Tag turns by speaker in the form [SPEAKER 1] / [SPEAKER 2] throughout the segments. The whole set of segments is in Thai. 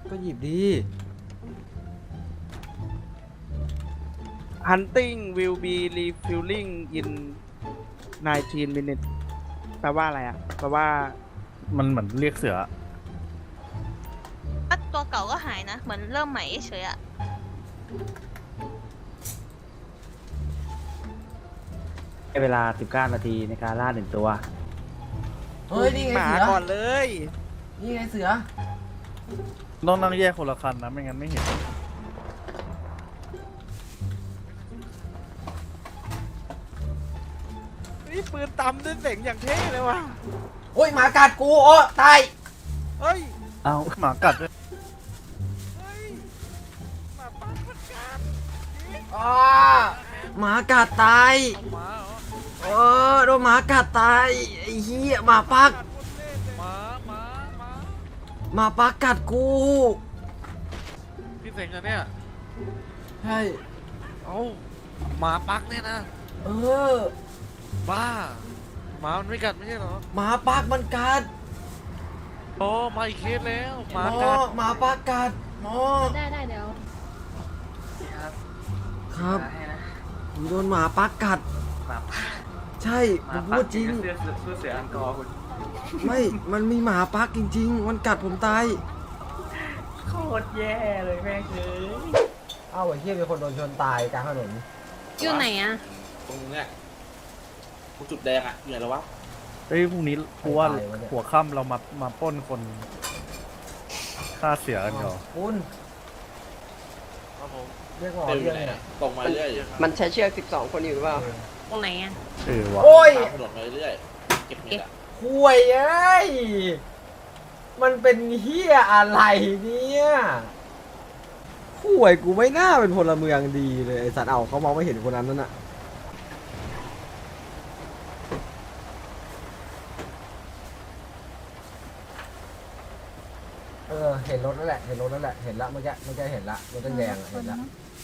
[SPEAKER 1] ก็หยิบดี
[SPEAKER 2] Hunting will be refueling in 19 minutes แปลว่าอะไรอ่ะแปลว่า
[SPEAKER 3] มันเหมือนเรียกเสือ
[SPEAKER 4] ถ้าตัวเก่าก็หายนะ เหมือนเริ่มใหม่เฉยๆอะ
[SPEAKER 5] ให้เวลา 19 นาทีในการล่า1 ตัว
[SPEAKER 1] เฮ้ย นี่ไง
[SPEAKER 2] หมา
[SPEAKER 1] เสือ
[SPEAKER 2] ก่อนเลย
[SPEAKER 1] นี่ไงเสือ
[SPEAKER 3] ต้องนั่งแยกคนละคันนะ ไม่งั้นไม่เห็น
[SPEAKER 2] นี่ปืนตำด้วยเสียงอย่างเท่เลยว่ะ
[SPEAKER 1] โอ้ยหมากัดกูโอ้ตาย
[SPEAKER 2] เฮ้ย
[SPEAKER 3] เอา หมากัดด้วย
[SPEAKER 2] เฮ้ยหมาปังมันกัด
[SPEAKER 1] อ้าหมากัดตาย
[SPEAKER 2] เอาหมาเหรอ
[SPEAKER 1] เออโดนหมากัดตายไอ้เหี้ยหมาปัก
[SPEAKER 2] กัดคนเล่นเลยหมาหมา
[SPEAKER 1] หมาปักกัดกู
[SPEAKER 2] พี่เสงอะเนี่ย
[SPEAKER 1] ใช่
[SPEAKER 2] เอ้าหมาปักเนี่ยนะ
[SPEAKER 1] เออ
[SPEAKER 2] บ้าหมามันไม่กัดไม่ใช่เหรอ
[SPEAKER 1] หมาปักมันกัด
[SPEAKER 2] โอ้มาอีกเคสแล้วห
[SPEAKER 1] หม
[SPEAKER 2] มา
[SPEAKER 1] อ
[SPEAKER 2] กัด
[SPEAKER 1] หมาปักกัดหมอ
[SPEAKER 6] ได้เดี๋ยว
[SPEAKER 1] ครับโดนหมาปักกัดใช่ผมพูดจริง
[SPEAKER 5] เสืออังกอร์คุณ
[SPEAKER 1] ไม่ มันมีหมาปักจริงๆ มันกัดผมตาย
[SPEAKER 5] โคตรแย่เลยแม่งเลย
[SPEAKER 1] เอ้าไอ้เหี้ยมีคนโดนชนตายกลางถนน
[SPEAKER 6] อยู่ไหนอะ
[SPEAKER 7] ตรงเนี้ยตรงจุดแดงอ่ะอยู่ไหนแล้ววะ
[SPEAKER 3] เฮ้ยพรุ่งนี้กูว่า
[SPEAKER 1] ใครตายวะเนี่ย
[SPEAKER 3] หัวค่ำเรามาปล้นคนฆ่าเสือกันเหรอ
[SPEAKER 1] คุณ
[SPEAKER 2] ครับผม
[SPEAKER 1] เรียกหมอ
[SPEAKER 7] เดินอ
[SPEAKER 1] เรีย
[SPEAKER 7] ยู่
[SPEAKER 1] ก
[SPEAKER 7] ไหน
[SPEAKER 1] เนี่ย
[SPEAKER 7] อะตรงมาเรื่อย
[SPEAKER 8] มันใช้เชือก12 คนอยู่หรือเปล่า
[SPEAKER 6] ตรงไหนอะ
[SPEAKER 3] วะ
[SPEAKER 1] โอ้ย
[SPEAKER 7] ตามถนนมาเรื่อยเก็บเห็ดอ่ะ
[SPEAKER 1] ห่วยเอ้ย มันเป็นเฮียอะไรเนี่ยห่วยกูไม่น่าเป็นพลเมืองดีเลยไอสัตว์เอาเขามองไม่เห็นคนนั้นนั่นน่ะเออเห็นรถนั่นแหละ เห็นรถนั่นแหละ เห็นละเมื่อกี้เห็นละรถแดงๆอะเห็นละ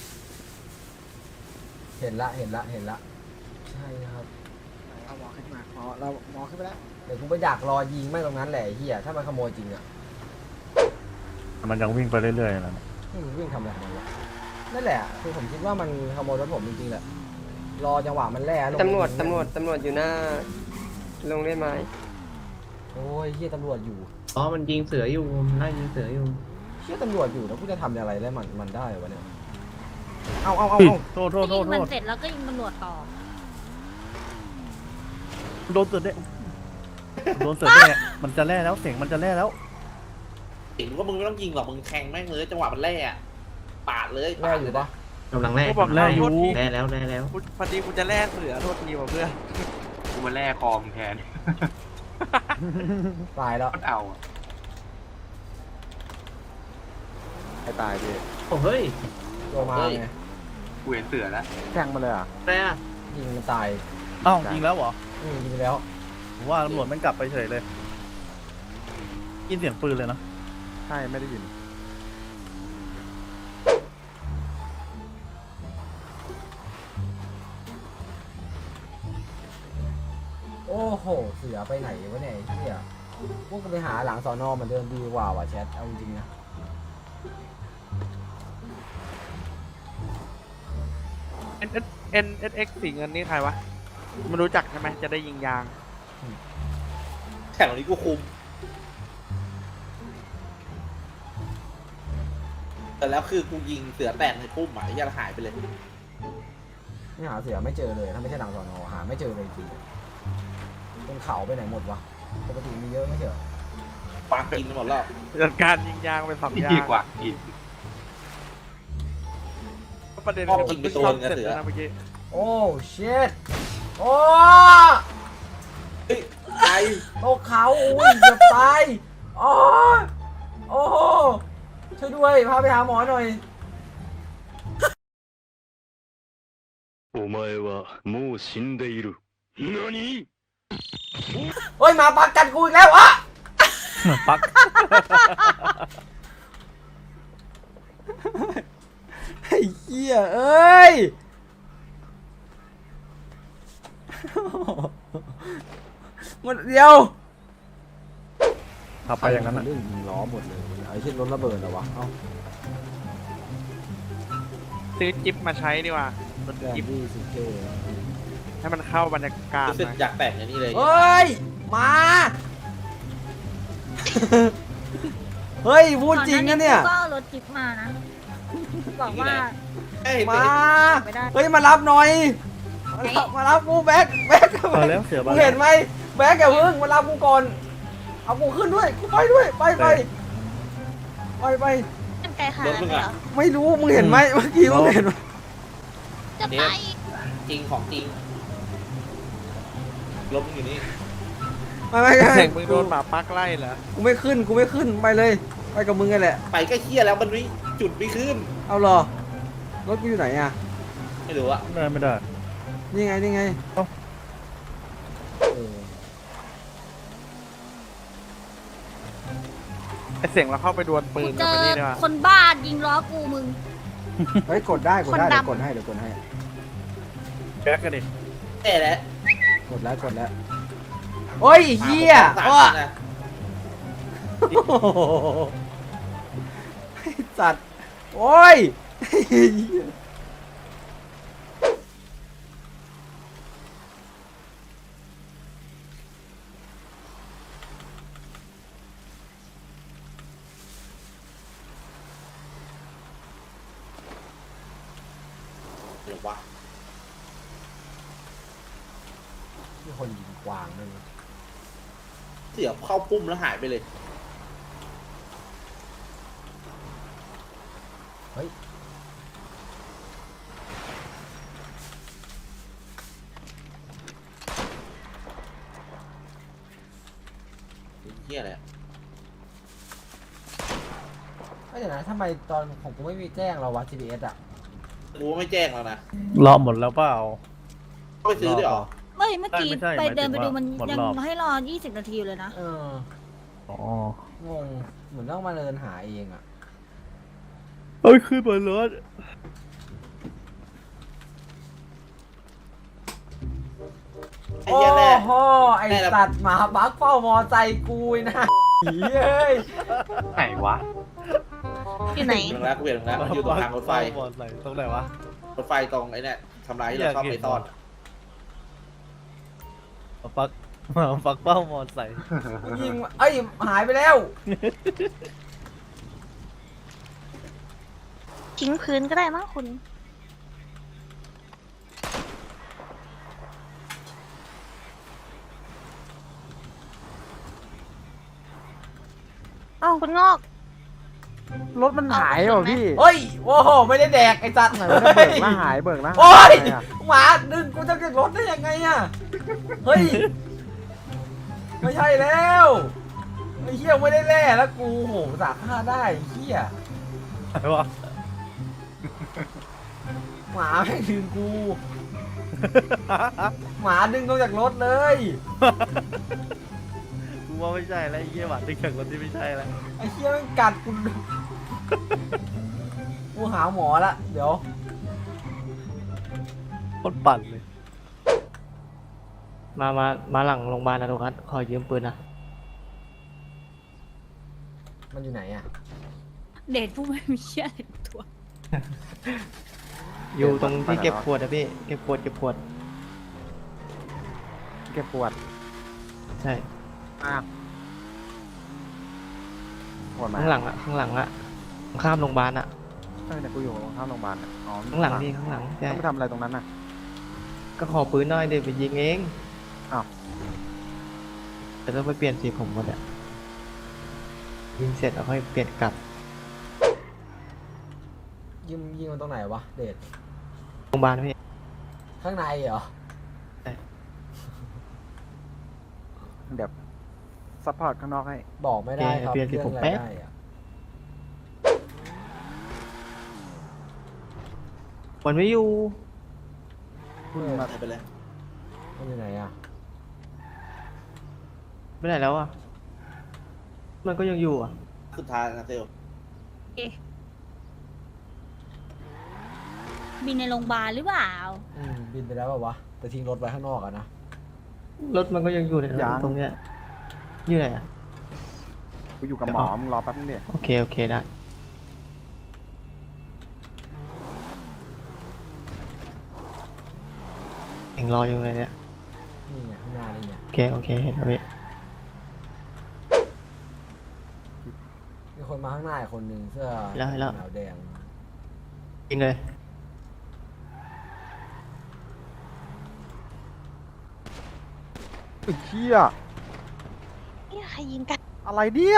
[SPEAKER 1] เห็นละ เห็นละ เห็นละ ใช่ครับ
[SPEAKER 2] เอาหมอขึ้นมาเราหมอขึ้นไปแล้ว
[SPEAKER 1] เดี๋ยวกูไปดักรอยิงไม่งตรงนั้นแหละไอ้เฮียถ้ามันขโมยจริงอ่ะ
[SPEAKER 3] มันยังวิ่งไปเรื่อยๆแล้วนะ
[SPEAKER 1] มันวิ่งทำอะไรของมันวะนั่นแหละ คือผมคิดว่ามันขโมยรถผมจริงๆแหละ รอจังหวะมันแล่ลง
[SPEAKER 8] ตำรวจอยู่หน้าโรงเรียนไม้
[SPEAKER 1] โอ้ยเฮียตำรวจอยู่
[SPEAKER 5] อ๋อ มันยิงเสืออยู่ไล่ยิงเสืออยู่
[SPEAKER 1] เฮียตำรวจอยู่แล้วกูจะทำอะไรแล้วมันได้วะเนี่ย เอา
[SPEAKER 3] โทษ
[SPEAKER 6] ยิงมันเสร็จแล้วก็ยิงตำรวจต่อ
[SPEAKER 3] โดนเสือเด้โดนเสือเด้มันจะแล่แล้วเสียงมันจะแล่แล้ว
[SPEAKER 7] เห็นว่ามึงไม่ต้องยิงหรอกมึงแทงแม่งเลยจังหวะมันแล่อะปาดเลย
[SPEAKER 1] แล่อยู่ปะ
[SPEAKER 5] กำลังแล่
[SPEAKER 2] กูบอก
[SPEAKER 3] แล่อยู่
[SPEAKER 2] โทษที
[SPEAKER 5] แล่แล้วแล่แล้ว
[SPEAKER 2] กูพอดีกูจะแล่เสือโทษทีว่ะเพื่อน
[SPEAKER 5] กูมาแล่คอมแทน
[SPEAKER 1] ตายแล้ว
[SPEAKER 5] ก็เอา
[SPEAKER 3] ให้ตายพี่
[SPEAKER 5] โอ้เฮ้ย
[SPEAKER 1] โดนมาไง
[SPEAKER 5] กูเห็นเสือแล้ว
[SPEAKER 3] แทงมาเลยอ่ะ
[SPEAKER 5] แล่
[SPEAKER 1] ยิงมันตาย
[SPEAKER 3] อ้าวยิงแล้วเหรอ
[SPEAKER 1] ยิงแล้ว
[SPEAKER 3] ผมว่าตำรวจมันกลับไปเฉยเลยยินเสียงปืนเลยนะใช่ไม่ได้ยิน
[SPEAKER 1] โอ้โห เสือไปไหนวะเนี่ยไอ้เฮียพวกกูไปหาหลังสอนอเหมือนเดิมดีกว่าว่ะแชท เอาจริงๆนะ
[SPEAKER 2] NSX สีเงินนี่ใครวะมันรู้จักใช่ไหมจะได้ยิงยาง
[SPEAKER 7] แข่งตรงนี้กูคุม แต่แล้วคือกูยิงเสือแตกในพุ่มอ่ะยันหายไปเลย
[SPEAKER 1] ไม่หาเสือไม่เจอเลย ถ้าไม่ใช่หลังสอนอหาไม่เจอเลยจริงๆบนเขาไปไหนหมดวะ ปกติมีเยอะไม่ใช่เหรอ
[SPEAKER 7] ปากกินไปหมดแล้ว
[SPEAKER 2] จัดการยิงยางเป็น2 ยาง
[SPEAKER 5] ดีกว่าอีก
[SPEAKER 2] ประเด็น
[SPEAKER 7] พ่อ
[SPEAKER 2] คือ
[SPEAKER 7] กิ
[SPEAKER 2] มัน น
[SPEAKER 7] ไป
[SPEAKER 2] เพิ่ง
[SPEAKER 7] ตัว
[SPEAKER 2] ซ่อม
[SPEAKER 7] นึง
[SPEAKER 2] เสร็จ
[SPEAKER 7] อะเสือ
[SPEAKER 2] แล้วนะเมื่อกี้
[SPEAKER 1] โอ้ชิตโอ้
[SPEAKER 7] เฮ้ยไอ้
[SPEAKER 1] ตกเขาอุ้ยเกือบตายโอ้โอ้ช่วยด้วย พาไปหาหมอหน่อย
[SPEAKER 9] お前はもう死んでいる。何
[SPEAKER 1] เฮ้ยหมาปักกัดกูอีกแล้วอ่ะ
[SPEAKER 3] ปัก
[SPEAKER 1] ไอ้เหี้ยเอ้ย มันเดียว
[SPEAKER 3] ขับไปอย่างนั้นน่ะ
[SPEAKER 1] เรื่องยิงล้อหมดเลยไอ้เช่นรถระเบิดเหรอวะเอ้า
[SPEAKER 2] ซื้อจิ๊บมาใช้ดีกว่ารถ
[SPEAKER 1] แกน
[SPEAKER 2] จิ๊บ
[SPEAKER 1] ดี้ซิเก้
[SPEAKER 2] ให้มันเข้าบรรยากาศ
[SPEAKER 7] รู้สึก
[SPEAKER 2] หน่อย
[SPEAKER 7] อยากแต่งอย่างนี้เลย
[SPEAKER 1] เฮ้ย มา เฮ้ย พูดจริงนะเนี่ย
[SPEAKER 6] ก่อหากูก็เอารถจิ๊บมานะ บอกว่า
[SPEAKER 7] เอ้ย
[SPEAKER 1] มา
[SPEAKER 6] ไม่ได้
[SPEAKER 1] เฮ้ย มารับหน่อย มารับกูแบ็ค
[SPEAKER 3] เอาแล้วเสือ
[SPEAKER 1] มึ
[SPEAKER 3] มาง
[SPEAKER 1] เห็นไหมแบ็คอย่าพึ่งมารับกูก่อน เอากูขึ้นด้วย กูไปด้วย ไป
[SPEAKER 4] มันไกลขนาดนั้นเลยเหรอ
[SPEAKER 1] ไม่รู้ มึงเห็นไหมเมื่อกี้มึงเห็นไหม
[SPEAKER 4] จะไป
[SPEAKER 7] จริงของจริงรถมึงอยู่นี่
[SPEAKER 1] ไม่
[SPEAKER 2] เสียงมึงโดนหมาปักไล่เหรอ
[SPEAKER 1] กูไม่ขึ้น ไปเลย ไปกับมึงไงแหละ
[SPEAKER 7] ไปก็เคี้ยแล้วมันไม่จุดไม่ขึ้น
[SPEAKER 1] เอาเหรอ รถกูอยู่ไหนอ่ะ
[SPEAKER 7] ไม่รู้อะ
[SPEAKER 3] ได้ไม่ได้
[SPEAKER 1] นี่ไง
[SPEAKER 3] เอ้า
[SPEAKER 1] เออ
[SPEAKER 2] ไอเสียงเราเข้าไปดวลปื
[SPEAKER 6] กู
[SPEAKER 2] น
[SPEAKER 6] เจ
[SPEAKER 2] กันไป
[SPEAKER 6] อ
[SPEAKER 2] นี่ดีกว่า
[SPEAKER 6] คนบ้ายิงล้อกูมึง
[SPEAKER 1] เฮ้ยกดได้
[SPEAKER 4] คนดำ
[SPEAKER 1] เดี๋ยวกดให้
[SPEAKER 3] แบ็กกันดิ
[SPEAKER 7] แต่แหละ
[SPEAKER 1] กดแล้วโอ้ยเฮีย
[SPEAKER 7] สาม
[SPEAKER 1] ว้า
[SPEAKER 7] นะ
[SPEAKER 1] โอ้โหไอ้สัตว์โอ้ยเหี้ย
[SPEAKER 7] เดี๋ยววะ
[SPEAKER 1] มีคนยิงกวางเลย
[SPEAKER 7] เสียบเข้าปุ้มแล้วหายไปเลย
[SPEAKER 1] เฮ้ย
[SPEAKER 7] เฮี้ยอะไรอะ
[SPEAKER 1] ไม่เดี๋ยวนะทำไมตอนของกูไม่มีแจ้งเราวะ GPS อ่ะ
[SPEAKER 7] กูไม่แจ้งแล้วนะ
[SPEAKER 3] รอหมดแล้วเปล่า
[SPEAKER 7] ก็ไปซื้อด้วยเหรอ
[SPEAKER 6] เมื่อกี้
[SPEAKER 3] ไม่ใช่
[SPEAKER 6] ไป
[SPEAKER 3] หมายถึง
[SPEAKER 6] เดินไปดูมัน
[SPEAKER 3] ว่าหมด
[SPEAKER 6] ยัง
[SPEAKER 3] รอบ
[SPEAKER 6] ให้รอ 20 นาทีอยู่เลยนะ
[SPEAKER 1] เออ
[SPEAKER 3] อ๋อ
[SPEAKER 1] งง เหมือนต้องมาเดินหาเองอ่ะ
[SPEAKER 3] เอ้ยขึ้นบนรถ
[SPEAKER 7] ไอ้
[SPEAKER 1] โอ้
[SPEAKER 7] เหี้ยแน่
[SPEAKER 1] โหไอสัตว์หมาบักเฝ้ามอไซค์กูไอ้นะผีเอ้ย
[SPEAKER 5] ไหนวะ
[SPEAKER 4] อยู่ไหน
[SPEAKER 7] เปลี่ยนแล้วกูเปลี่ยนแล้วมันอยู่ตรงทางรถไฟ
[SPEAKER 3] บอลใส่ตรงไหนวะ
[SPEAKER 7] รถไฟตรงไอ้เนี่ยทำลายที่เราชอบไปซ่อน
[SPEAKER 3] เอาปักเอาปักเป้ามอนใส่
[SPEAKER 1] ยิงเอ้ยหายไปแล้ว
[SPEAKER 4] ทิ้งพื้นก็ได้มั้งคุณ เอ้าคุณงอก
[SPEAKER 5] รถมันหายเหรอพี่
[SPEAKER 1] เฮ้ยโอ้โหไม่ได้แดกไอ้สัตว์
[SPEAKER 5] ไหนมันจะเบิกหน้าหายเบิกหน้าหาย
[SPEAKER 1] โอ้ย
[SPEAKER 5] ทำไมอะ
[SPEAKER 1] หมาดึงกูจะขึ้นรถได้ยังไงอ่ะเฮ้ยไม่ใช่แล้วไอ้เหี้ยไม่ได้แล่แล้วกูโหสาฆ่าได้ไอ้เหี้ย
[SPEAKER 3] อะไรวะ
[SPEAKER 1] หมาไม่งดึงกู หมาดึงลงจากรถเลย
[SPEAKER 3] กูว่าไม่ใช่แล้วไอ้เหี้ยหวานดึงจากรถที่ไม่ใช่แล้ว
[SPEAKER 1] ไอ้เหี้ยมันกัดกูกูหาหมอละเดี๋ยว
[SPEAKER 3] โคตรปั่นเลย
[SPEAKER 5] มาหลังโรงพยาบาลนะทุกคนขอยืมปืนนะ
[SPEAKER 1] มันอยู่ไหนอ่ะ
[SPEAKER 6] เดทผู้ไม่มีเชี่ยอะไรในตัว
[SPEAKER 5] อยู่ตรงที่เก็บขวดนะพี่ เก็บขวด เก็บปวด ใช่ข้างหลังอะข้ามโรงพยาบาลอะ
[SPEAKER 10] เนี่ยกูอยู่ข้างโรงพยาบาลอ๋อ
[SPEAKER 5] ข้างหลังพี่ข้างหลังใช่
[SPEAKER 10] ต้องไปทำอะไรตรงนั้นน่ะ
[SPEAKER 5] ก็ขอปืนหน่อยเดี๋ยวไปยิงเอง
[SPEAKER 10] อ้าว
[SPEAKER 5] แต่ต้องไปเปลี่ยนสีผมหมดอะยิงเสร็จแล้วค่อยเปลี่ยนกลับ
[SPEAKER 1] ยิงมันตรงไหนวะเดช
[SPEAKER 5] โรงพยาบาลพี่
[SPEAKER 1] ข้างในเหรอ
[SPEAKER 10] เดี๋ยวซัพพอร์ตข้างนอกให้
[SPEAKER 1] บอกไม่ได้ครับ
[SPEAKER 5] เปลี่ยนสีผม
[SPEAKER 1] เรื่อง
[SPEAKER 5] แป๊บ
[SPEAKER 1] อะไรได้อะ
[SPEAKER 5] มันไม่อยู่
[SPEAKER 10] คุณมา
[SPEAKER 7] หายไปเลย
[SPEAKER 1] มันอยู่ไหนอ่ะ
[SPEAKER 5] ไม่ไหนแล้วอะมันก็ยังอยู่อะ
[SPEAKER 7] สุดท้ายนะเซล
[SPEAKER 6] บินในโรงพยาบาลหรือเปล่า
[SPEAKER 1] บินไปแล้วเปล่าวะแต่ทิ้งรถไว้ข้างนอกอะนะ
[SPEAKER 5] รถมันก็ยังอยู่ในตรงเนี้ยอยู่ไหนอะ
[SPEAKER 10] กูอยู่กับหมอมึงรอแป๊บนึงดิ
[SPEAKER 5] โอเคโอเคได้เองรออยู่เลยเนี่ย
[SPEAKER 1] นี่ไงข้างหน้านี่ไง
[SPEAKER 5] โอเคโอเคเห็นแล้วพี่
[SPEAKER 1] มีคนมาข้างหน้าอีกคนนึงเสื้อขาวแดง
[SPEAKER 5] ยิงเลย
[SPEAKER 10] ไอ้เหี้ย
[SPEAKER 4] เนี่ยใครยิงกัน
[SPEAKER 10] อะไรเนี่ย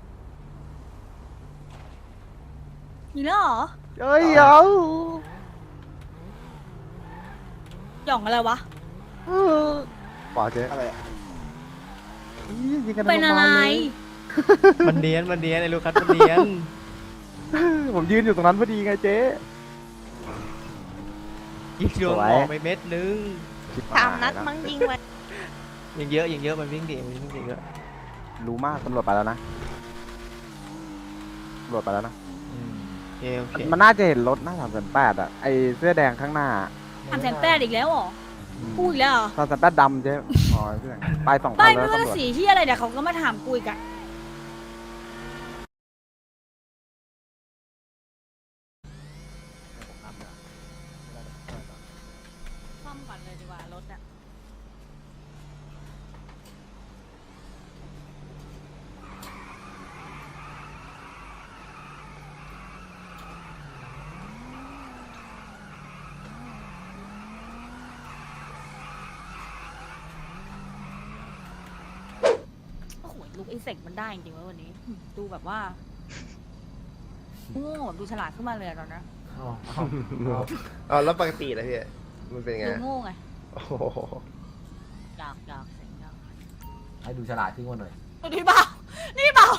[SPEAKER 6] มีแล้วเหรอ
[SPEAKER 10] เอ้ยเอา
[SPEAKER 6] หย่องอะไรวะ
[SPEAKER 10] ป่าเจ๊อะไรยิงกัน
[SPEAKER 6] เป็นอะไร
[SPEAKER 5] มันเนียนไอ้ลูกคัสมันเนียน
[SPEAKER 10] ผมยืนอยู่ตรงนั้นพอดีไงเจ๊
[SPEAKER 5] ยิงโดนหมอไปเม็ดนึง
[SPEAKER 4] 3 นัดมั้งยิงไว้
[SPEAKER 5] ยิงเยอะมันวิ่งดีมันวิ่งดีเยอะ
[SPEAKER 10] รู้มากตำรวจไปแล้วนะตำรวจไปแล้วนะ
[SPEAKER 5] โอเคโอเค
[SPEAKER 10] มันน่าจะเห็นรถหน้า308อ่ะไอเสื้อแดงข้างหน้า
[SPEAKER 6] 380อีกแล้วเหรอพูดอีกแล้วเหรอ
[SPEAKER 10] 308ดำเจ๊อ๋อเสื้อไป2 คั
[SPEAKER 6] ไม่
[SPEAKER 10] นแล้
[SPEAKER 6] ไม่
[SPEAKER 10] ว
[SPEAKER 6] ว่า
[SPEAKER 10] ตำรวจ
[SPEAKER 6] สีที่อะไรเดี๋ยวเขาก็มาถามกูอีกอะซ่อมก่อนเลยดีกว่ารถอะ โอ้โหลูกไอ้เสกมันได้จริงๆเว้ยวันนี้ ดูแบบว่าโง่ดูฉลาดขึ้นมาเลยอะตอนนั้น
[SPEAKER 8] แล้วปกตินะพี่ มันเป็นไง
[SPEAKER 6] ดูโง่ไง
[SPEAKER 8] โอ้โห
[SPEAKER 6] อยากเสกอยาก
[SPEAKER 1] ให้ดูฉลาดขึ้นกว่าหน่อย
[SPEAKER 6] นี่เปล่านี่เปล่า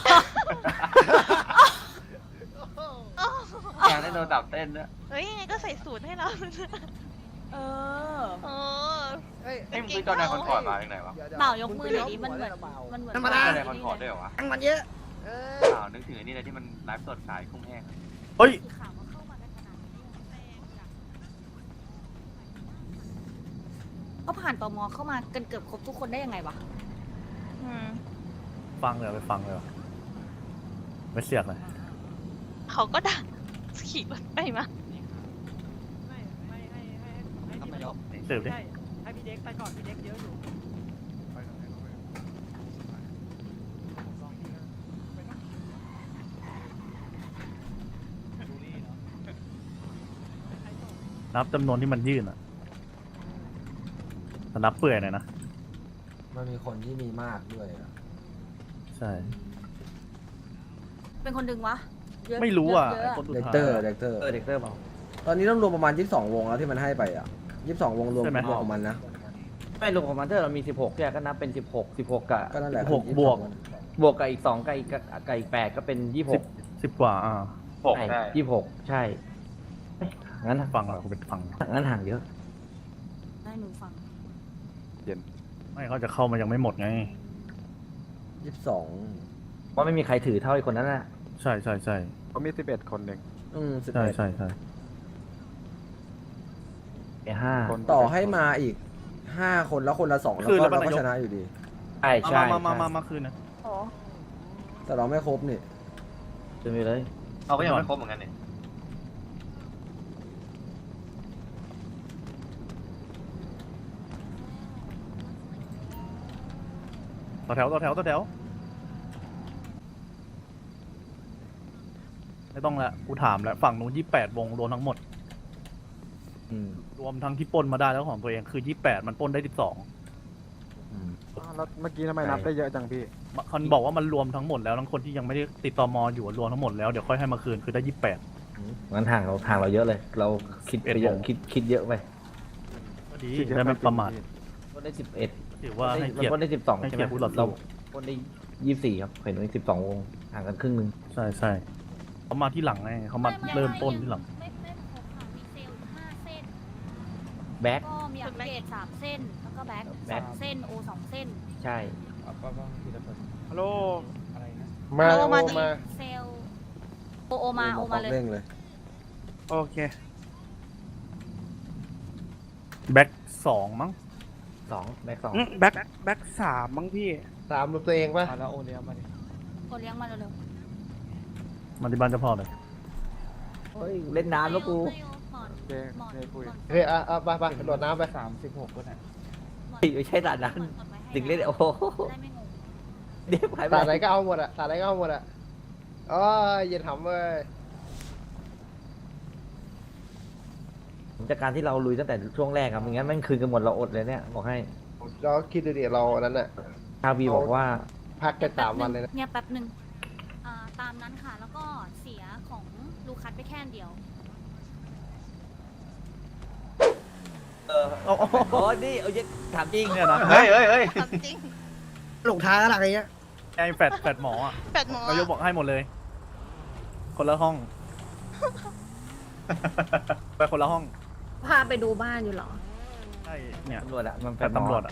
[SPEAKER 5] อยากได้โดนดับเต้นด้วย
[SPEAKER 4] เฮ้ยยังไงก็ใส่สูตรให้เรา
[SPEAKER 6] เออ
[SPEAKER 4] เออ
[SPEAKER 5] ไอ้มึงซื้อจอแดนคอนคอร์ดมาจากไหนวะ
[SPEAKER 6] เปล่ายกมือหน่อยดิมันเหมือนมันเหมือน
[SPEAKER 5] จอแดนคอนคอร์ดด้วยเหรอวะ
[SPEAKER 8] ตั้งมันเยอะ
[SPEAKER 5] เปล่านึกถึงไอ้นี่เลยที่มันไลฟ์สดขายกุ้งแห้ง
[SPEAKER 3] เฮ้ย
[SPEAKER 6] ข่าวว่าเข้ามากันขนาดนี้เขาผ่านตมเข้ามากันเกือบครบทุกคนได้ยังไงวะ
[SPEAKER 4] อืม
[SPEAKER 3] ฟังเลยไปฟังเลยไม่เสียกเลย
[SPEAKER 4] เขาก็ดักขี่รถไปมา
[SPEAKER 3] สืบดิ
[SPEAKER 2] ให้พี่เด็กไปก่อนพี่เด็กเยอะอยู่
[SPEAKER 3] นับจำนวนที่มันยื่นอ่ะแต่นับเปื่อยหน่อยนะ
[SPEAKER 1] มันมีคนที่มีมากด้วยอะ
[SPEAKER 3] ใช่
[SPEAKER 6] เป็นคนดึงวะเย
[SPEAKER 3] ไม่รู้อ่ะ
[SPEAKER 6] เย
[SPEAKER 3] ไอ้
[SPEAKER 6] อะ
[SPEAKER 3] คนสุด
[SPEAKER 1] เด็ก
[SPEAKER 3] ท้าย
[SPEAKER 1] เตอร์
[SPEAKER 3] อะ
[SPEAKER 1] เด็กเตอร์
[SPEAKER 8] เด็กเตอร์เปล่า
[SPEAKER 1] ตอนนี้ต้องรวมประมาณ22วงแล้วที่มันให้ไปอ่ะ22วงรวม
[SPEAKER 3] ใช่ไหม
[SPEAKER 1] รวมของมันนะ
[SPEAKER 5] ไม่รวมของมันเตอร์เรามี16เนี่ยก็นับเป็น16กับ
[SPEAKER 1] ก็นั่นแหละ
[SPEAKER 3] หก
[SPEAKER 1] 22
[SPEAKER 3] บวก
[SPEAKER 5] บวกกับอีก2กับอีก8ก็เป็น26
[SPEAKER 3] 10 กว่า
[SPEAKER 5] ใช่26ใช่เอ้ยงั้น
[SPEAKER 3] ฟังอะกูเป็นฟัง
[SPEAKER 5] งั้นห่างเยอะ
[SPEAKER 6] ได้หนูฟัง
[SPEAKER 3] ไม่เขาจะเข้ามายังไม่หมดไง
[SPEAKER 1] 22
[SPEAKER 5] เพราะไม่มีใครถือเท่าไอ้คนนั้นน่ะ
[SPEAKER 3] ใช่ใช่ใช่
[SPEAKER 10] เขามี11 คนหนึ่ง
[SPEAKER 3] ใช่ใช่ใช่
[SPEAKER 5] ไอ้ห้า
[SPEAKER 10] คน
[SPEAKER 1] ต่อให้มาอีก5คนแล้วคนละ2แล้วก็เราก็ชนะอยู่ดี
[SPEAKER 5] ใช่ใช่
[SPEAKER 3] มาคืนนะ
[SPEAKER 1] แต่เราไม่ครบนี่
[SPEAKER 5] จะมีเลย
[SPEAKER 3] เราก็ยังไม่ครบเหมือนกันเนี่ยต่อแถวไม่ต้องละกูถามแล้วฝั่งนู้น28วงรวมทั้งหมด รวมทั้งที่ปล้นมาได้แล้วของตัวเองคือ28มันปล้นได้12
[SPEAKER 10] แล้วเมื่อกี้ทำไมนับได้เยอะจังพี่
[SPEAKER 3] เขาบอกว่ามันรวมทั้งหมดแล้วทั้งคนที่ยังไม่ได้ติดตมอยู่รวมทั้งหมดแล้วเดี๋ยวค่อยให้มาคืนคือได้28
[SPEAKER 5] งั้นห่างเราเยอะเลย เราคิดไปเยอะ
[SPEAKER 3] 11วง
[SPEAKER 5] คิดเยอะไป
[SPEAKER 3] ก็ดีได้ไม่ประมาท
[SPEAKER 5] ปล้นได้11
[SPEAKER 3] ถือว่าให้
[SPEAKER 5] มัน
[SPEAKER 3] เกียร
[SPEAKER 5] ปล้น
[SPEAKER 3] ติ
[SPEAKER 5] ได้12
[SPEAKER 3] ให้
[SPEAKER 5] ใช่
[SPEAKER 3] เกี
[SPEAKER 5] ไห
[SPEAKER 3] ย
[SPEAKER 5] ม
[SPEAKER 3] รติผู้ต่อสู้
[SPEAKER 5] เราปล้นได้24ครับเห็นว่า12วงห่างกันครึ่งนึง
[SPEAKER 3] ใช่ใช่เขามาที่หลังไงเขามาเริ่มต้นที่หลัง
[SPEAKER 6] ไม่ครบค่ะมีเซลล์5เส้น
[SPEAKER 5] แบ็ค
[SPEAKER 6] ก็มีอัปเกรด3เส้น แล้วก็แบ็ค
[SPEAKER 5] แบ็ค
[SPEAKER 6] 2เส้นโอ2เส้น
[SPEAKER 5] ใช่
[SPEAKER 2] ฮัลโหล
[SPEAKER 8] มา
[SPEAKER 4] โลมาดิ
[SPEAKER 6] เซลล์โอมาเลย
[SPEAKER 1] เร่งเลย
[SPEAKER 2] โอเค
[SPEAKER 3] แบ็ค2มั้ง
[SPEAKER 5] 2แบ็ค2
[SPEAKER 2] แบ็ค3มั้งพี่
[SPEAKER 8] 3รวมตัวเองป่ะ
[SPEAKER 10] แล้วโอเลี้ยมาดิ
[SPEAKER 6] โอเลี้ยงมาเร็ว
[SPEAKER 3] มันที่บ้านเจะพ่อเลย
[SPEAKER 1] เฮ้ยเล่น
[SPEAKER 6] ๆ
[SPEAKER 1] น้ำแล้วกู
[SPEAKER 6] หมอน
[SPEAKER 10] เจ๊
[SPEAKER 6] หมอน
[SPEAKER 10] เจ๊คุย
[SPEAKER 6] หมอน
[SPEAKER 8] เฮ้ยไปโดดน้ำไป
[SPEAKER 10] 36ก็ได้
[SPEAKER 1] ไม่ใช่ด่านนั้น
[SPEAKER 6] หมอนกดไว้ให้
[SPEAKER 1] ถึงเล่นโอ้โห
[SPEAKER 6] จะได้ไม่งง
[SPEAKER 1] เดี๋ยวหายไป
[SPEAKER 8] ตาไหนก็เอาหมดอะตาไหนก็เอาหมดอะอ๋อเย็นหำเว้ย
[SPEAKER 1] จากการที่เราลุยตั้งแต่ช่วงแรกครับไม่งั้นแม่งคืนกันหมดเราอดเลยเนี่ยบอกให้
[SPEAKER 8] เราคิดดูดิเราอันนั้นอะ
[SPEAKER 1] ชาบีบอกว่า
[SPEAKER 8] พักแค่3 วันเลยนะ
[SPEAKER 6] เนี่ยแป๊บหนึ่งตามนั้นค่ะ แล้วก็เสียของลูคัสไปแค่อันเดียว
[SPEAKER 1] โอ้โหนี่เอาเย็ดถามจริง
[SPEAKER 3] เนี่ยนะ
[SPEAKER 5] เฮ้ยเฮ้ยเฮ้ย
[SPEAKER 4] ความจริง
[SPEAKER 8] หลงทางอะไรเงี้ย
[SPEAKER 3] ไอ้แฟดหมออ่ะ
[SPEAKER 4] แปดหมอน
[SPEAKER 3] ายกบอกให้หมดเลย คนละห้อง ไปคนละห้อง
[SPEAKER 6] พาไปดูบ้านอยู่เหรอ
[SPEAKER 3] ใช่ เนี่ย
[SPEAKER 1] ตำรวจอะมัน
[SPEAKER 3] แฟดตำรวจอ่ะ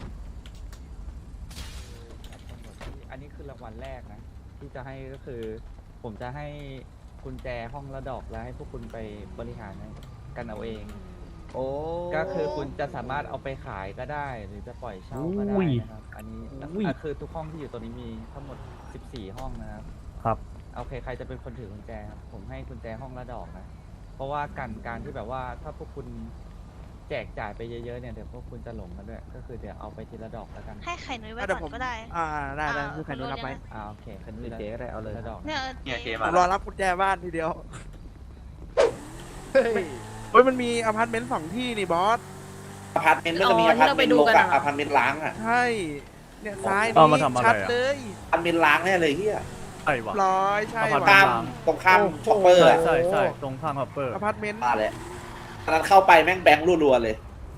[SPEAKER 10] อันนี้คือรางวัลแรกนะ ที่จะให้ก็คือ ผมจะให้กุญแจห้องละดอกแล้วให้พวกคุณไปบริหารกันเอาเอง
[SPEAKER 1] โอ้
[SPEAKER 10] ก็คือคุณจะสามารถเอาไปขายก็ได้ หรือจะปล่อยเช่าก็ได้นะครับ อันนี้คือทุกห้องที่อยู่ตัวนี้มีทั้งหมด 14 ห้องนะครับ
[SPEAKER 3] ครับ
[SPEAKER 10] โอเค ใครจะเป็นคนถือกุญแจครับ ผมให้กุญแจห้องละดอกนะ เพราะว่าการที่แบบว่าถ้าพวกคุณแจกจ่ายไปเยอะๆเนี่ยเดี๋ยวพวกคุณจะหลงกันด้วย ก็คือเดี๋ยวเอาไปทีละดอกแล้วกัน
[SPEAKER 4] ให้ไข่นุ้ยไว้
[SPEAKER 2] เดี๋ยว
[SPEAKER 4] ก่
[SPEAKER 2] ผ
[SPEAKER 4] อน
[SPEAKER 2] ม
[SPEAKER 4] ก็ได้
[SPEAKER 2] ได้คือใครรู้รับไหม
[SPEAKER 10] โอเคคัน
[SPEAKER 1] หรื
[SPEAKER 10] นี้
[SPEAKER 1] อเจ๊ก็ได้เอาเลย
[SPEAKER 10] ละดอก
[SPEAKER 4] เนี่ย
[SPEAKER 5] เนี่ยเค
[SPEAKER 2] ผ
[SPEAKER 5] มา
[SPEAKER 2] มรอรับกุญแจบ้านทีเดียว
[SPEAKER 8] เฮ้ย
[SPEAKER 2] เฮ้ยมันมีอพาร์ตเมนต์2 ที่นี่บอส
[SPEAKER 7] อพาร์ตเมนต์มันจะมีอพาร์ตเมนต์รกอะอพาร์ตเมนต์ล้างอะ
[SPEAKER 2] ใช่ เนี่ยซ้าย
[SPEAKER 3] เอา
[SPEAKER 2] นี้
[SPEAKER 3] มาทำอะไรอะ
[SPEAKER 2] ชัดเลย
[SPEAKER 7] อพาร์ตเมนต์ล้างแน่เลยเฮีย
[SPEAKER 3] ใช่วะ
[SPEAKER 2] ร้อยใช่
[SPEAKER 3] อพาร์ตเม
[SPEAKER 2] ว่ะ
[SPEAKER 3] นต์
[SPEAKER 7] ข้ามตรงข้ามช็อปเปอร์
[SPEAKER 3] ใช่
[SPEAKER 7] อะ
[SPEAKER 3] ใช่ตรงข้างฮับเปอร์
[SPEAKER 2] อพาร์ตเมนต์
[SPEAKER 7] มาเลยตอนนั้นเข้าไปแม่งแบงค์รัวๆเลย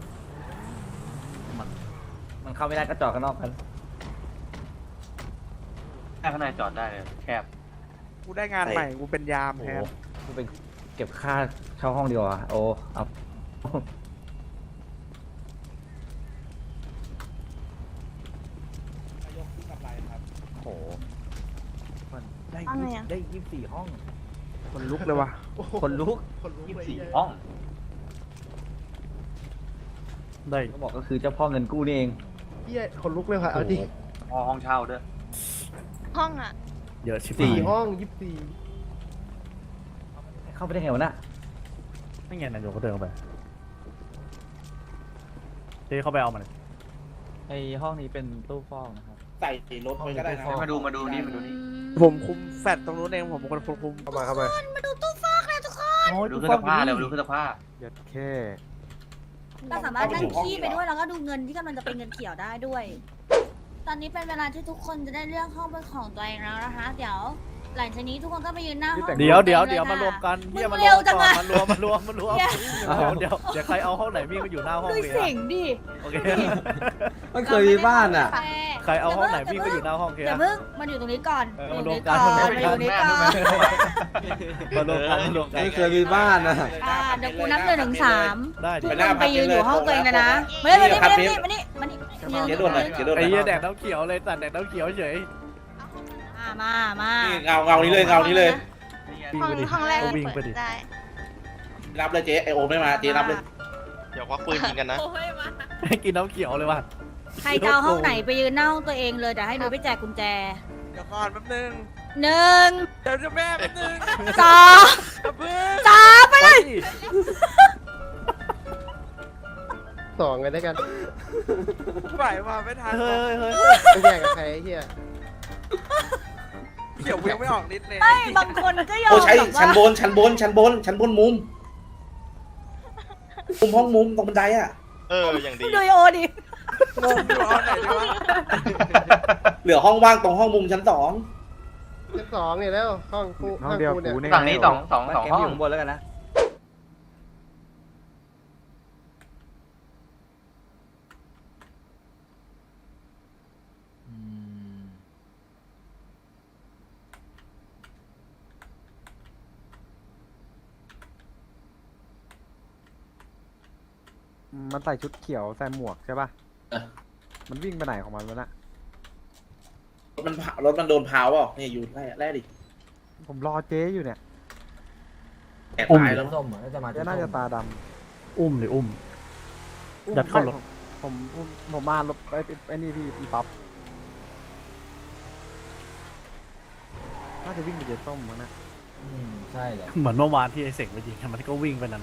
[SPEAKER 1] มันเข้าไม่ได้ก็จอดกันนอกกัน
[SPEAKER 5] แค่ข้างในจอดได้เลยแคบ
[SPEAKER 2] กูได้งานใหม่กูเป็นยาม
[SPEAKER 1] โอ้
[SPEAKER 2] แท
[SPEAKER 1] โห
[SPEAKER 2] น
[SPEAKER 1] กูเป็นเก็บค่าเช่าห้องดีกว่าโอ้เอาโอ้โหได้
[SPEAKER 4] ว่าไงอะ
[SPEAKER 1] ได้24 ห้อง
[SPEAKER 2] คนลุกเลยว่ะ
[SPEAKER 1] คนลุก
[SPEAKER 8] คนรู้ไป
[SPEAKER 5] 24 ห้อง
[SPEAKER 3] ได้
[SPEAKER 1] ก็บอกก็คือเจ้าพ่อเงินกู้นี่เอง
[SPEAKER 8] เฮียคนลุกเลยค่ะเอาดิ
[SPEAKER 5] ห้องเช่าด้วย
[SPEAKER 4] ห้องอ่ะ
[SPEAKER 3] เยอะชิบ
[SPEAKER 1] สี่
[SPEAKER 3] หาย
[SPEAKER 8] 4 ห้อง
[SPEAKER 1] เข้าไปได้ไงวะน่ะ
[SPEAKER 3] ไม่ไงนายกก็เดินเข้าไปเจ๊เข้าไปเอามัน
[SPEAKER 10] ไอห้องนี้เป็นตู้ฟอกนะครับ
[SPEAKER 7] ใส่รถไปก็ได้นะ
[SPEAKER 5] มาดูนี่
[SPEAKER 2] ผมคุมแฟดตรงนู้นเองผมเป็นคนคุม
[SPEAKER 8] เข้ามา
[SPEAKER 6] มาดูตู้ฟอกเลยทุกคน
[SPEAKER 5] ดูเครื่องซักผ้าเร็วดูเครื่องซักผ้า
[SPEAKER 10] ยัดแค่
[SPEAKER 6] เราสามารถนั่งขี้ไปด้วยแล้วก็ดูเงินที่กำลังจะเป็นเงินเขียวได้ด้วย ตอนนี้เป็นเวลาที่ทุกคนจะได้เลือกห้องเป็นของตัวเองแล้วนะคะ เดี๋ยวหลังจากนี้ทุกคนก็ไปยืนหน้าห้อง
[SPEAKER 3] เดี๋ยว
[SPEAKER 6] ของตัวอง
[SPEAKER 3] มารวมกัน
[SPEAKER 6] มึ
[SPEAKER 3] เฮีย
[SPEAKER 6] ง
[SPEAKER 3] มาร
[SPEAKER 6] เร็
[SPEAKER 3] ว
[SPEAKER 6] ว
[SPEAKER 3] ม
[SPEAKER 6] จัง
[SPEAKER 3] ก่อน
[SPEAKER 6] อะ
[SPEAKER 3] มารวมเดี๋ยวใครเอาห้องไหนวิ่งไปอยู่หน้าห้อง
[SPEAKER 6] ดู
[SPEAKER 3] เลย
[SPEAKER 6] เสียงดิ
[SPEAKER 3] โอเค
[SPEAKER 1] มันเคยมีบ้านอ่ะ
[SPEAKER 3] ใครเอาห้องไหนวิ่งไปอยู่หน้าห้องเค
[SPEAKER 6] เดี๋ยวเพิ่งมันอยู่ตรงนี้ก่อน
[SPEAKER 3] มารวม
[SPEAKER 6] อ
[SPEAKER 3] กัน
[SPEAKER 6] ยู่ตรงนี้ก่อน
[SPEAKER 3] มารวมกันมารวมกัน
[SPEAKER 1] ไม่เคยมีบ้านอ่ะ
[SPEAKER 6] เดี๋ยวกูนับ1 ถึง 3
[SPEAKER 3] ได้ดิ
[SPEAKER 6] ทุกคนไปยืนอยู่ห้องตัวเองเลยนะมานี่มานี่
[SPEAKER 7] เดี๋ยวโดนหน่อยเดี๋ยวโดนห
[SPEAKER 3] ไอ้
[SPEAKER 7] น่อย
[SPEAKER 3] เหี้ยแดกน้ำเขียวเลยตัดแดกน้ำเขียวเฉย
[SPEAKER 6] มา
[SPEAKER 7] นี่เงานี้เลยเงานี้เลย
[SPEAKER 4] ห้องแรก
[SPEAKER 3] วิ่งไป
[SPEAKER 4] เปิ
[SPEAKER 3] ดิ
[SPEAKER 4] ดได้
[SPEAKER 7] รับเลยเจ๊ไอโอไม่มาเจ๊รับเลย
[SPEAKER 5] เดี๋ยวควักปืนยิงกันนะ
[SPEAKER 3] ให้กินน้ำเขียวเลยว่ะ
[SPEAKER 6] ใครจะเอาห้องไหนไปยืนหน้าห้องตัวเองเลยเดี๋ยวให้หนูไปแจกกุญแจ
[SPEAKER 2] เดี๋ยวก่อนแป๊บนึง
[SPEAKER 6] 1
[SPEAKER 2] เดี๋ยวจะแม่แป๊บนึง
[SPEAKER 6] 2
[SPEAKER 2] เพิ่ง
[SPEAKER 6] 3ไปเลย
[SPEAKER 8] 2กันได้กัน
[SPEAKER 2] ไหวมาไม่ทัน
[SPEAKER 3] เฮ้ย
[SPEAKER 8] ไม่แย่งกับใครไอ้เฮีย
[SPEAKER 2] เดี๋ยวยังไม่ออกนิดเลย
[SPEAKER 6] ไม่บางคนก็ยอม
[SPEAKER 7] โอ้ใช้
[SPEAKER 6] แบบว่า
[SPEAKER 7] ชั้นบนมุมห้องมุมตรงบันไดอะ
[SPEAKER 5] อย่างดี
[SPEAKER 6] ดูโอดิ
[SPEAKER 2] งงอยู่เอาไหนดีวะ
[SPEAKER 7] เหลือห้องว่างตรงห้องมุมชั้น 2
[SPEAKER 8] ชั้น 2เนี่ยแล้วห้องกู
[SPEAKER 10] ห้องเดียว
[SPEAKER 8] กูเนี่ย
[SPEAKER 10] กูเนี่ย
[SPEAKER 5] ฝั่งนี้สอง
[SPEAKER 1] บ้านแก
[SPEAKER 5] ห้อง
[SPEAKER 1] อยู่ข้างบนแล้วกันนะ
[SPEAKER 10] มันใส่ชุดเขียวใส่หมวกใช่ป่ะ
[SPEAKER 7] เออ
[SPEAKER 10] มันวิ่งไปไหนของมันวะน่ะ
[SPEAKER 7] รถมันโดนพาวเปล่าเนี่ยอยู่แร่ดิ
[SPEAKER 10] ผมรอเจ๊อยู่เนี่ย
[SPEAKER 7] แอบตายแล้ว
[SPEAKER 1] ส้มๆอ่ะน่าจะมา
[SPEAKER 10] เจ๊น่าจะตาด
[SPEAKER 3] อุ้มหรืออุ้ม
[SPEAKER 10] ำ
[SPEAKER 3] ยัดเข้ารถ
[SPEAKER 10] ผมมารถไอ้นี่พี่อีป๊อป
[SPEAKER 3] น่าจะวิ่งไปเจอส้มมั้งนะ
[SPEAKER 1] ใช่แหละ
[SPEAKER 3] เหมือนเมื่อวานที่ไอ้เสกไปยิงมันก็วิ่งไปนั่นนะ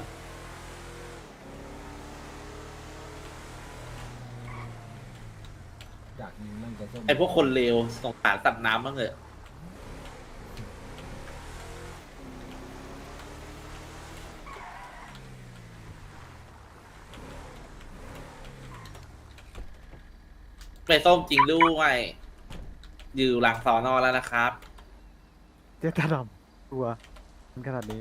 [SPEAKER 1] อยากยิงมันจะส้ม
[SPEAKER 7] ไอพวกคนเลวสงสารสัตว์น้ำบ้างเลยไปส้มจริงด้วยอยู่หลังสอนอแล้วนะครับ
[SPEAKER 3] เจ๊ตาดำตัวมันขนาดนี้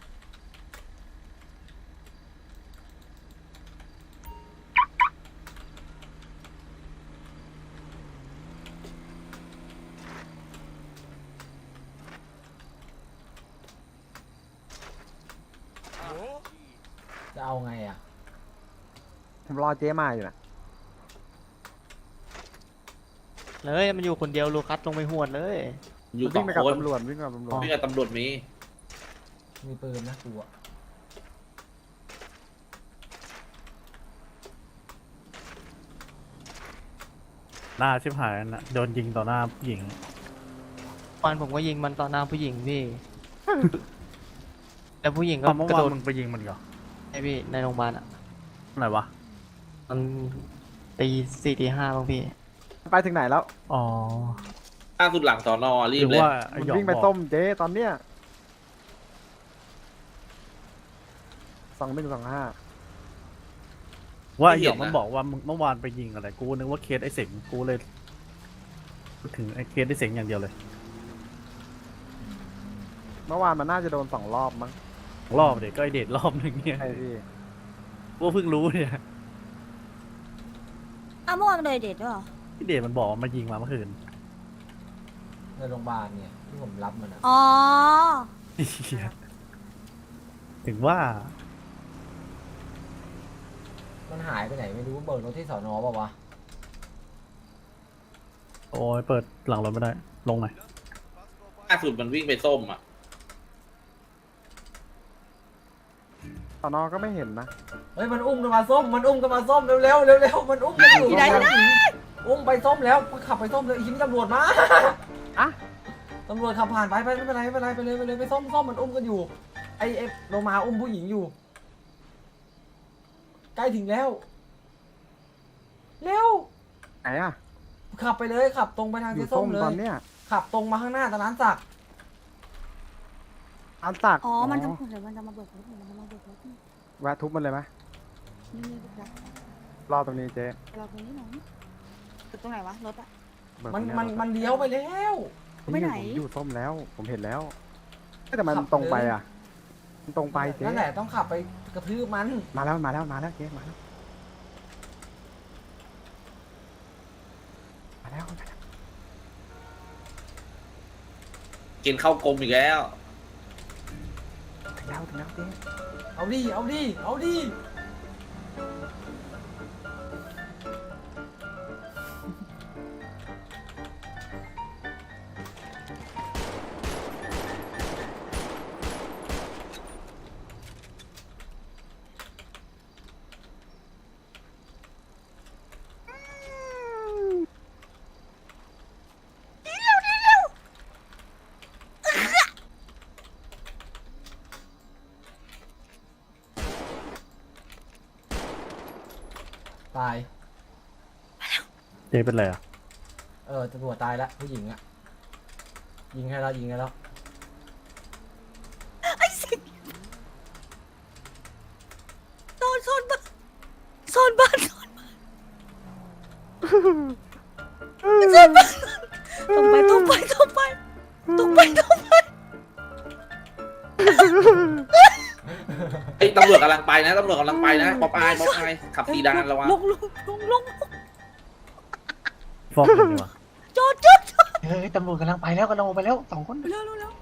[SPEAKER 1] จะเอาไงอ่ะ
[SPEAKER 3] ผมรอเจ๊มาอยู่นะ
[SPEAKER 5] เลยมันอยู่คนเดียวลูคัสลงไปหวดเลย
[SPEAKER 7] อยู่ส
[SPEAKER 3] วิ่
[SPEAKER 7] อง ง
[SPEAKER 3] ไปกับ
[SPEAKER 7] คน
[SPEAKER 3] ตำรวจวิ่งกับตำรวจ
[SPEAKER 7] วิ่งกับตำรวจมี
[SPEAKER 1] มีปืนนะกูอ่ะ
[SPEAKER 3] หน้าชิบหายนั่นนะโดนยิงต่อหน้าผู้หญิง
[SPEAKER 5] วันผมก็ยิงมันต่อหน้าผู้หญิงพี่ แล้วผู้หญิงก็
[SPEAKER 3] เมื่อก
[SPEAKER 5] ระ
[SPEAKER 3] วาน
[SPEAKER 5] โดด
[SPEAKER 3] มึงไปยิงมันเหรอ
[SPEAKER 5] ให้พี่ในโรงพยาบาลอ่ะ
[SPEAKER 3] ไหนวะ
[SPEAKER 5] มันตีสี่ตีห้าบ้างพี่
[SPEAKER 3] ไปถึงไหนแล้ว อ๋อ
[SPEAKER 7] ล่าสุดหลังสอนอรี
[SPEAKER 3] ห
[SPEAKER 7] บ
[SPEAKER 3] รือ
[SPEAKER 7] เลย
[SPEAKER 3] ว่ามันวิ่งไปต้มเจ๊ตอนเนี้ย2125ว่าไอ้หยองมันบอกว่ามึงเมื่อวานไปยิงอะไร กูนึกว่าเคสไอ้เสงกูเลยพูดถึงไอ้เคสไอ้เสงอย่างเดียวเลย
[SPEAKER 11] เมื่อวานมันน่าจะโดน2 รอบมั้ง
[SPEAKER 3] รอบเด็กก็ไอเดทรอบหนึ่งเนี่ย
[SPEAKER 11] ใช่พี่
[SPEAKER 3] กูเพิ่งรู้เนี่ย
[SPEAKER 6] อ้าวเมื่อวานมันเลยเดทด้วยเหรอ
[SPEAKER 3] ที่เดทมันบอกว่ามายิงมาเมื่อคืน
[SPEAKER 1] ในโรงพยาบาลเนี่ยที่ผมรับมันอ่ะ
[SPEAKER 6] อ๋อ
[SPEAKER 3] เหี้ยถึงว่า
[SPEAKER 1] มันหายไปไหนไม่รู้เบิกรถที่สอนอเปล่าวะ
[SPEAKER 3] โอ้ยเปิดหลังรถไม่ได้ ลงหน่อย
[SPEAKER 7] ล่าสุดมันวิ่งไปส้มอ่ะ
[SPEAKER 11] สอนอก็ไม่เห็นนะ
[SPEAKER 1] เฮ้ยมันอุ้มกันมาส้มมันอุ้มกันมาส้มเร็วเร็วเร็วเร็วมันอุ้มกันอยู่
[SPEAKER 6] ที่ไหนนะ
[SPEAKER 1] อุ้มไปส้มแล้วขับไปส้มเลยอีกทีนี้ตำรวจมา
[SPEAKER 11] อะ
[SPEAKER 1] ตำรวจขับผ่านไปไม่เป็นไรไม่เป็นไรไปเลยไปเลยไปส้มส้มมันอุ้มกันอยู่ไอโลมาอุ้มผู้หญิงอยู่ใกล้ถึงแล้วเร็ว
[SPEAKER 11] ไหนอะ
[SPEAKER 1] ขับไปเลยขับตรงไปทาง
[SPEAKER 11] อยู่
[SPEAKER 1] ที่
[SPEAKER 11] ส้
[SPEAKER 1] ส้
[SPEAKER 11] ม
[SPEAKER 1] มเล
[SPEAKER 11] ตอย นเนี้ย
[SPEAKER 1] ขับตรงมาข้างหน้าตลาดสักดิ์
[SPEAKER 11] อันสัก
[SPEAKER 6] อ๋อ มันจะเดี๋ยวมันจะมาเบิกรถมันจะมาเบิกรถนี่
[SPEAKER 11] แวะทุบมันเลยไหม
[SPEAKER 6] นี่เดี๋ยว
[SPEAKER 11] รอตรงนี้เจ๊
[SPEAKER 6] เราตรงนี้หน่อยตึกตรงไหนวะ รถอะ
[SPEAKER 11] เบิก
[SPEAKER 1] มัน
[SPEAKER 11] ตรง
[SPEAKER 1] มัน
[SPEAKER 11] รถ
[SPEAKER 1] มันเลี้ยวไปแล้ว
[SPEAKER 6] ไปไหน
[SPEAKER 11] ผมอยู่ส้มแล้ว ผมเห็นแล้วแต่มัน
[SPEAKER 1] ขับ
[SPEAKER 11] ตรงไป
[SPEAKER 1] เลย
[SPEAKER 11] อ่ะ มันตรงไปเจ๊
[SPEAKER 1] นั่นแหละต้องขับไปกระทืบมัน
[SPEAKER 11] มาแล้วเจ๊มาแล้วมาแล้ว
[SPEAKER 7] กินข้าวกลมอีกแล้ว
[SPEAKER 11] ถึงแล้วเจ๊
[SPEAKER 1] เอาดิเอาดิเอาดิตาย
[SPEAKER 3] เจ๊เป็นไรอ่ะ
[SPEAKER 1] ตำรวจตายแล้วผู้หญิงอะยิงให้แล้วยิงให้แล้ว
[SPEAKER 6] โซนโซนบ้านโซนบ้านโซนบ้านตรงไปตรงไปตรงไปตรงไปตรงไป
[SPEAKER 7] ไอ้ยตำรวจกำลังไปนะตำรวจกำลังไปนะป๊อปอายขับซีดานระวัง
[SPEAKER 6] ลง
[SPEAKER 3] ฟอกเลยดีกว่า
[SPEAKER 6] จอด
[SPEAKER 5] เฮ้ยตำรวจกำลังไปแล้ว2 คน
[SPEAKER 6] เร็ว